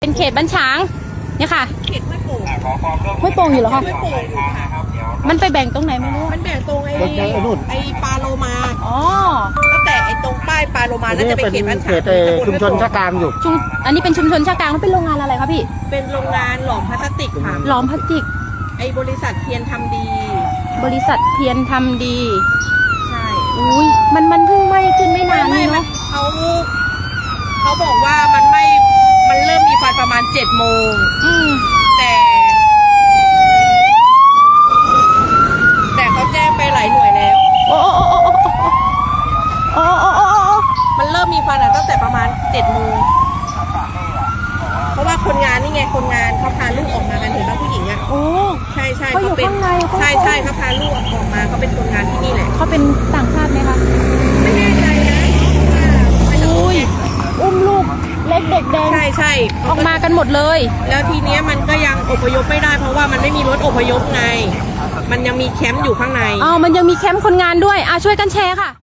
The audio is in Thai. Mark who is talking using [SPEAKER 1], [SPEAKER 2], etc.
[SPEAKER 1] เป็นเขตบ้านฉางเนี่ยค่ะ
[SPEAKER 2] เขตห้วยโป่ง
[SPEAKER 1] ห้วยโป่งอยู่เหรอคะ
[SPEAKER 2] ห้วยโป่งอยู่ค่ะ
[SPEAKER 1] มันไปแบ่งตรงไหนไม่รู้
[SPEAKER 2] มันแบ่งตรงไอ้ปลาโลมา
[SPEAKER 1] อ๋อ
[SPEAKER 2] ตั้งแต่ไอ้ตรงป้ายปลาโลมานั่นจะเป็นเขตบ้านฉาง
[SPEAKER 3] ชุมชนชะกามอยู่
[SPEAKER 1] อันนี้เป็นชุมชนชากลางแล้วเป็นโรงงานอะไรคะพี่
[SPEAKER 2] เป็นโรงงานหลอมพลาสติกค่ะ
[SPEAKER 1] หลอมพลาสติก
[SPEAKER 2] ไอ้บริษัทเทียนทำดี
[SPEAKER 1] บริษัทเพียรทำดี
[SPEAKER 2] ใช่
[SPEAKER 1] อุ้ยมันเพิ่งไหม้ขึ้นไม่นาน
[SPEAKER 2] ไม่
[SPEAKER 1] นี่เนาะ
[SPEAKER 2] เขาบอกว่ามันเริ่มมีควันประมาณ7 โมง แต่เขาแจ้งไปหลายหน่วยแล้ว
[SPEAKER 1] โอ้โอ้โอ้โอ้โอ้โอ้โอ้โอ้
[SPEAKER 2] มันเริ่มมีควันตั้งแต่ประมาณ7 โมง เพราะว่าคนงานนี่ไงคนงานเขาพาลูกออกมากันเห็นป่ะผู้หญิงอ่ะ
[SPEAKER 1] โอ้
[SPEAKER 2] ใช่ใช่
[SPEAKER 1] เขาอยู่ข้างในเขา
[SPEAKER 2] ใช่เขาพาลูกออกมาเขาเป็นคนงานที่นี่แหละ
[SPEAKER 1] เขาเป็นต่างชาติไหมคะ
[SPEAKER 2] ไม่แน่ใจนะว่า
[SPEAKER 1] อุ้ยอุ้มลูกเล็กเด็กแดง
[SPEAKER 2] ใช่
[SPEAKER 1] ออกมากันหมดเลย
[SPEAKER 2] แล้วทีเนี้ยมันก็ยังอพยพไม่ได้เพราะว่ามันไม่มีรถอพยพไง มันยังมีแคมป์อยู่ข้างใน
[SPEAKER 1] อ๋อมันยังมีแคมป์คนงานด้วยช่วยกันแชร์ค่ะ